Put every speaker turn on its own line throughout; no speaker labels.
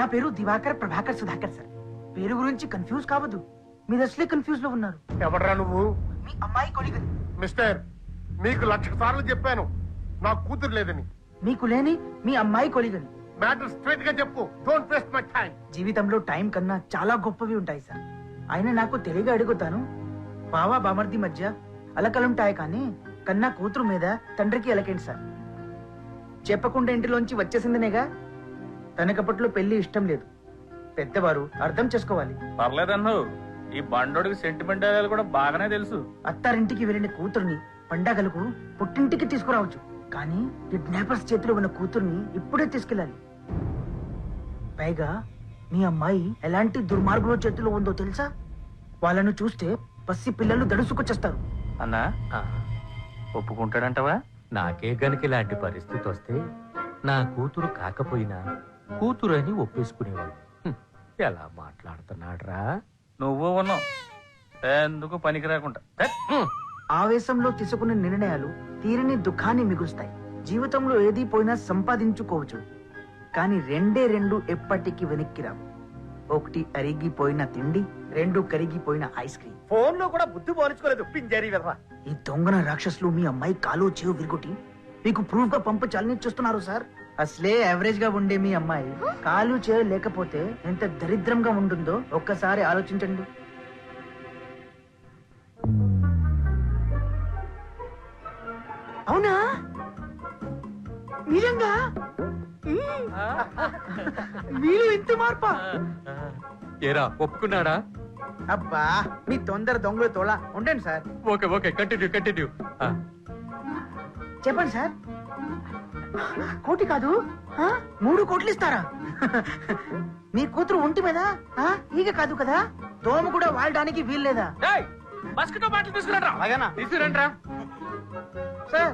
పేరు దివాకర్ ప్రభాకర్ సుధాకర్ సార్. పేరు గురించి కన్ఫ్యూజ్ కావద్దు, మీరు అసలే కన్ఫ్యూజ్ లో ఉన్నారు.
ఎవడరా నువ్వు?
మీ అమ్మాయి కొలిగని.
మిస్టర్, మీకు 1,00,000 సార్లు చెప్పాను నాకు కూతురు లేదని.
మీకు లేని మీ అమ్మాయి కొలిగని.
మ్యాటర్ స్ట్రైట్ గా చెప్పు. Don't waste my time.
జీవితంలో టైం కన్నా చాలా గొప్పవి ఉంటాయి సార్. ఆయన నాకు తెలియగా అడుగుతాను, బావా బామర్ది మధ్య అలకలుంటాయి కానీ కన్నా కూతురు మీద తండ్రికి అలకేంటి సార్? చెప్పకుండా ఇంటిలోంచి వచ్చేసిందనేగా. తనకప్పట్లో పెళ్లి ఇష్టం లేదు. పెద్దవారు అర్థం చేసుకోవాలి.
పర్లేదన్ను, ఈ బండోడికి సెంటిమెంట్ కూడా బాగానే తెలుసు.
అత్తారింటికి వెళ్ళిన కూతుర్ని పండగలకు పుట్టింటికి తీసుకురావచ్చు, కానీ కిడ్నాపర్స్ చేతిలో ఉన్న కూతుర్ని ఇప్పుడే తీసుకెళ్ళాలి. పైగా మీ అమ్మాయి ఎలాంటి దుర్మార్గుల చేతిలో ఉందో తెలుసా? వాళ్ళను చూస్తే పసి పిల్లలు దడుసుకొచ్చేస్తారు.
అన్నా, ఒప్పుకుంటాడంటవా?
నాకే గనుక ఇలాంటి పరిస్థితి వస్తే నా కూతురు కాకపోయినా కూతురు అని ఒప్పేసుకునేవాడు. ఎలా మాట్లాడుతున్నాడ్రా?
నువ్వు ఉన్నావు ఎందుకు పనికి రాకుండా.
ఆవేశంలో తీసుకునే నిర్ణయాలు తీరని దుఃఖాన్ని మిగులుస్తాయి. జీవితంలో ఏది పోయినా సంపాదించుకోవచ్చు, కానీ రెండు ఎప్పటికీ వెనక్కి రావు. ఒకటి అరిగిపోయిన తిండి, 2 కరిగిపోయిన ఐస్ క్రీమ్.
ఫోన్ లో కూడా బుద్ధి పోల్చుకోలేదు పింజారీ వెధవ.
ఈ దొంగన రాక్షసులు మీ అమ్మాయి కాలు చెవు విరుగుటి మీకు ప్రూఫ్ గా పంపించాలని చూస్తున్నారు సార్. అసలే యావరేజ్ గా ఉండే మీ అమ్మాయి కాలు చెవు లేకపోతే ఎంత దరిద్రంగా ఉంటుందో ఒక్కసారి ఆలోచించండి. అవునా? నిజంగా మీరు ఇంత మార్పా?
ఏరా ఒప్పుకున్నాడా?
అబ్బా మీ తొందర దొంగలు తోలా ఉండండి sir.
Okay okay, continue continue.
చెప్పండి సార్. 1 కోటి కాదు 3 కోట్లు ఇస్తారా? మీ కూతురు ఒంటి మీద ఈగ కాదు కదా, దోమ కూడా వాడడానికి వీల్లేదా?
మస్కిటో బాటిల్ తీసుకురండి.
అలాగేనా?
తీసుకురండి
సార్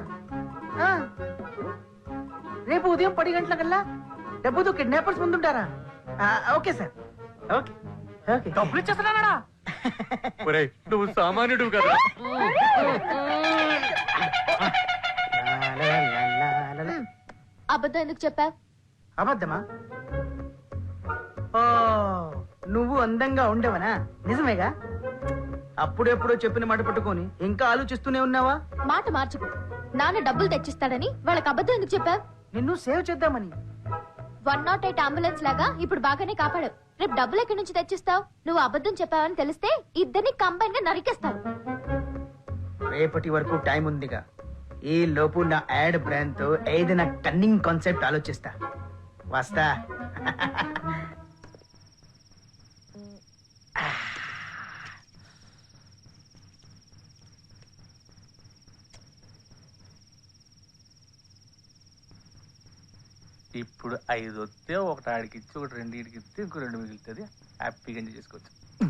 రేపు ఉదయం 10 గంటలకల్లా డబ్బుతో కిడ్నాపర్స్ ముందుంటారా? Okay sir, okay okay.
డబ్బులు ఇచ్చేస్తున్నాడా?
ఒరేయ్, నువ్వు సామాన్యుడు కదా.
అబద్ధం ఎందుకు చెప్పావు?
అబద్ధమా? ఓ, నువ్వు అందంగా ఉండేవనా? నిజమేగా? అప్పుడెప్పుడో చెప్పిన మాట పట్టుకొని ఇంకా ఆలోచిస్తూనే ఉన్నావా?
మాట మార్చుకు. నాన్న డబ్బులు తెచ్చిస్తాడని వాళ్ళకి అబద్ధం ఎందుకు చెప్పావు?
నిన్ను సేవ్ చేద్దామని.
108 అంబులెన్స్ లాగా ఇప్పుడు బాగానే కాపాడావు. రేపు డబ్బులు ఎక్కడి నుంచి తెచ్చిస్తావు? నువ్వు అబద్ధం చెప్పావని తెలిస్తే ఇద్దరిని కంబైన్ గా నరికేస్తారు.
రేపటి వరకు టైం ఉందిగా. ఈ లోపు నా యాడ్ బ్రాండ్ తో ఏదైనా టన్నింగ్ కాన్సెప్ట్ ఆలోచిస్తా. వస్తా.
ఇప్పుడు 5 వస్తే ఒకటి ఆడికి ఇచ్చి ఒకటి 2 ఇడికి ఇస్తే ఇంకో 2 మిగులుతుంది. హ్యాపీగా ఎంజాయ్ చేసుకోవచ్చు.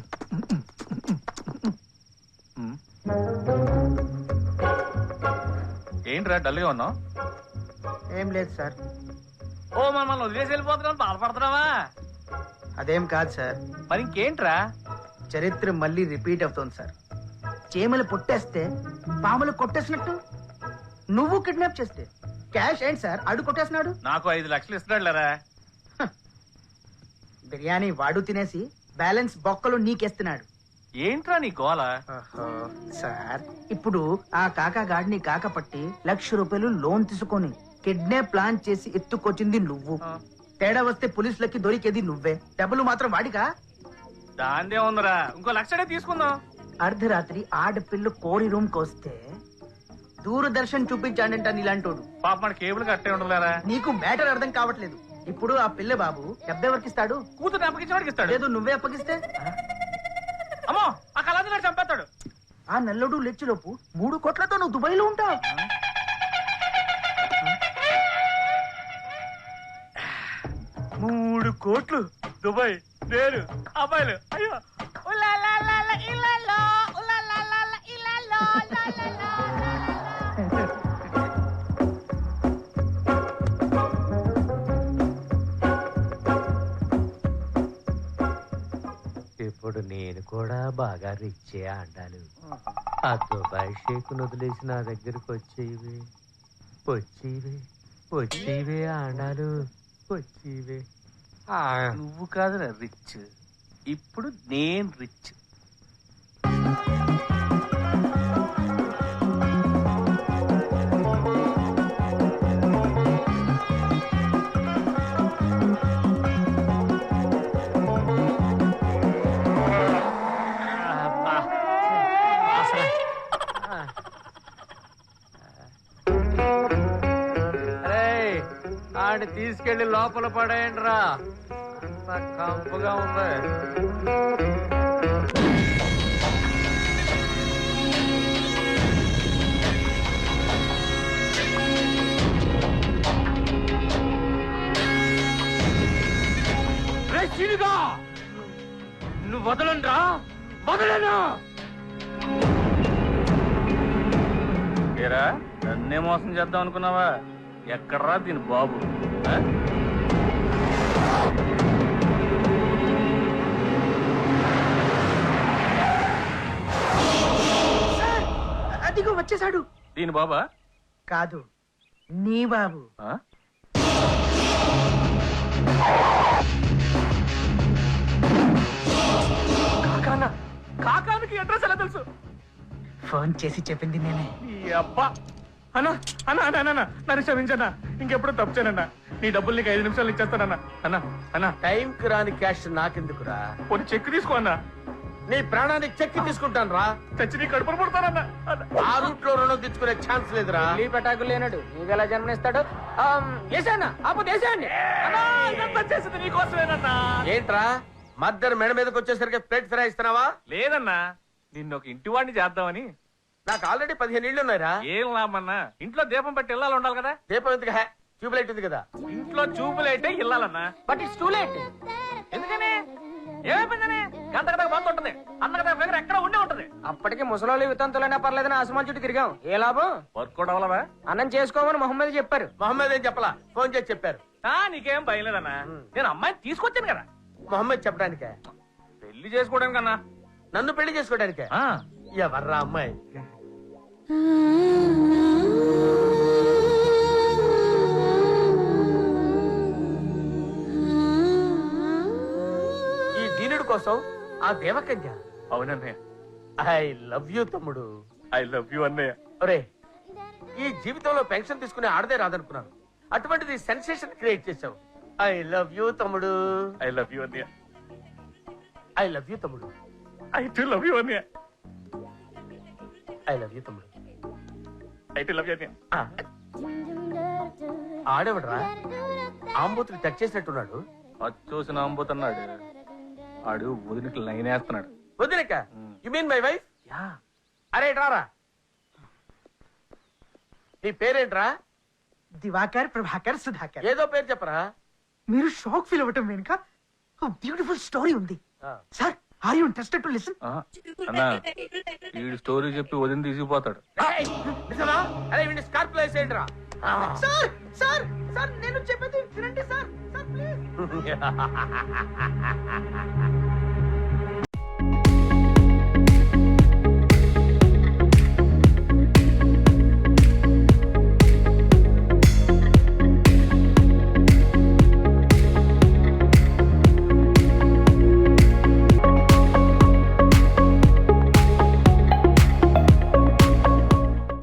ఏంట్రా డల్గా ఉన్నావు?
ఏం లేదు సార్.
ఓ మమ్మల్ని వదిలేసి వెళ్ళిపోతున్నావు, బాధపడుతున్నావా?
అదేం కాదు సార్.
మరి ఇంకేంట్రా?
చరిత్ర మళ్ళీ రిపీట్ అవుతోంది సార్. చీమలు పొట్టేస్తే పాములు కొట్టేసినట్టు నువ్వు కిడ్నాప్ చేస్తే క్యాష్ ఏంటి సార్ అడు కొట్టేసినాడు.
నాకు 5 లక్షలు ఇస్తున్నాడు లేరా?
బిర్యానీ వాడు తినేసి బ్యాలెన్స్ బొక్కలు నీకేస్తున్నాడు.
ఏంట్రా నీ గోల?
సార్ ఇప్పుడు ఆ కాకా గాడిని కాకపట్టి ₹1,00,000 లోన్ తీసుకొని కిడ్నాప్ ప్లాన్ చేసి ఎత్తుకొచ్చింది నువ్వు. తేడా వస్తే పోలీసులకి దొరికేది నువ్వే. డబ్బులు మాత్రం వాడిగా.
దాందే ఉందరా, ఇంకో 1,00,000 తీసుకుందాం.
అర్ధరాత్రి ఆడపిల్లు కోడి రూమ్ కొస్తే దూరదర్శన్ చూపించాడంట నీలాంటోడు.
పాప మన కేబుల్ కట్టే ఉండలేరా?
నీకు మ్యాటర్ అర్థం కావట్లేదు. ఇప్పుడు ఆ పిల్ల బాబు డబ్బెవరికి ఇస్తాడు?
కూతురు అప్పగించేవాడికి ఇస్తాడు.
లేదు నువ్వే అప్పగిస్తే?
అమ్మో, ఆ కళాధికారి చంపేస్తాడు.
ఆ నల్లుడు లెచ్చులోపు 3 కోట్లతో నువ్వు దుబాయ్ లో ఉంటావు.
3 కోట్లు దుబాయ్, నేను అబ్బాయిలు. అయ్యో
ఇప్పుడు నేను కూడా బాగా రిచ్చే ఆడాను. ఆ దుబాయ్ షేక్ వదిలేసి నా దగ్గరకు వచ్చేవి వచ్చేవే వచ్చేవే ఆడాలు వచ్చేవే.
నువ్వు కాదురా రిచ్, ఇప్పుడు నేను రిచ్.
ఆడిని తీసుకెళ్లి లోపల పడేయండి రా, కంపుగా ఉంది. నువ్వు వదలండ్రా, వదలను.
ఏరా నన్నే మోసం చేద్దాం అనుకున్నావా? ఎక్కడ్రా దీని బాబు? ఆ?
సార్, అదిగో వచ్చేసాడు.
దీని బాబా?
కాదు, నీ బాబు.
ఆ?
కాకానా కాకానికి అడ్రస్ ఎలా తెలుసు?
ఫోన్ చేసి చెప్పింది నేనే.
ఈ అబ్బా అన్నా అన్నా అన్నా అన్నా నన్ను క్షమించన్నా, ఇంకెప్పుడు తప్పు చేయనన్నా. నీ డబ్బులు నీకు 5 నిమిషాలు ఇచ్చేస్తానన్నా. అన్నా అన్నా
టైంకి రాని క్యాష్ నాకెందుకురా?
కొన్ని చెక్ తీసుకో అన్నా.
నీ ప్రాణానికి చెక్కి తీసుకుంటాను రా.
చచ్చి నీ కడుపును పుడతానన్నా.
ఆ రూట్ లో రుణం తెచ్చుకునే ఛాన్స్ లేదురా.
పెటాకులు లేనాడు నీకెలా జన్మనిస్తాడు? వేసానా ఆపు దేశాన్ని.
ఇదంతా చేసింది నీకోసమేనన్నా.
ఏంట్రా మద్దరు మెడ మీదకి వచ్చేసరికి ప్లేట్ ఫ్రై ఇస్తున్నావా?
లేదన్నా, నిన్ను ఒక ఇంటి వాడిని చేద్దామని.
నాకు ఆల్రెడీ 15 ఇళ్ళు ఉన్నాయిరా.
ఏం లాభమన్నా, ఇంట్లో దీపం పెట్టి ఇల్లాలు ఉండాలి కదా.
దీపం ఎందుకు? ట్యూబ్ లైట్ ఉంది కదా.
ఇంట్లో చూపులైతే ఇల్లాలన్నా.
But it's too late.
ఎందుకని? ఏమైపోయిందని? గంట గంట బంద్ ఉంటుంది, అన్న కదా దగ్గర ఎక్కడ ఉండే ఉంటది.
అప్పటికి ముసలోళ్ళు వితంతులైనా పర్లేదని ఆసమాన్ చుట్టూ తిరిగాం. ఏ లాభం?
వర్క్ కూడా అవ్వలవా?
అన్నం చేసుకోమని మొహమ్మద్ చెప్పారు.
మొహమ్మద్ ఏం చెప్పలా, ఫోన్ చేసి చెప్పారు.
నీకేం భయం లేదన్నా, నేను అమ్మాయిని తీసుకొచ్చాను కదా.
మొహమ్మద్ చెప్పడానికే?
పెళ్లి చేసుకోవడానికి అన్నా.
నన్ను పెళ్లి చేసుకోవడానికే? ఎవర్రా అమ్మాయి? ఈ దీనుడి కోసం ఆ దేవకన్య?
అవునన్నయ్య.
ఐ లవ్ యూ తమ్ముడు.
ఐ లవ్ యూ అన్నయ్య.
ఒరే, ఈ జీవితంలో పెన్షన్ తీసుకునే ఆడదే రాదనుకున్నాను, అటువంటిది సెన్సేషన్ క్రియేట్ చేశావు. ఐ లవ్ యూ తమ్ముడు.
ఐ లవ్ యూ అన్నయ్య.
ఐ లవ్ యూ తమ్ముడు.
ఐ టు లవ్ యూ అన్నయ్య.
ఐ లవ్ యూ తమ్ముడు.
ఐ టు లవ్ యూ అన్నయ్య.
ఆడేవడరా ఆంబూతులు టచ్ చేసినట్టున్నాడు.
అది చూసి నమ్ముతున్నాడు. ఆడు వదిలికి లైన్ వేస్తున్నాడు.
వదిలేక? You mean my wife? అరే రారా, నీ పేరేంట్రా?
దివాకర్, ప్రభాకర్, సుధాకర్.
ఏదో పేరు చెప్పరా.
మీరు షాక్ ఫీల్ అవ్వటం వెనుక బ్యూటిఫుల్ స్టోరీ ఉంది. Sir, are you interested to listen?
అన్నా వీడు స్టోరీ చెప్పి వదిలి తీసుకుపోతాడు.
నిజమా? అరే వీడిని స్కార్ప్ లో వేసేయండిరా.
సార్ సార్ సార్, నేను చెప్పేది వినండి సార్. Sir please.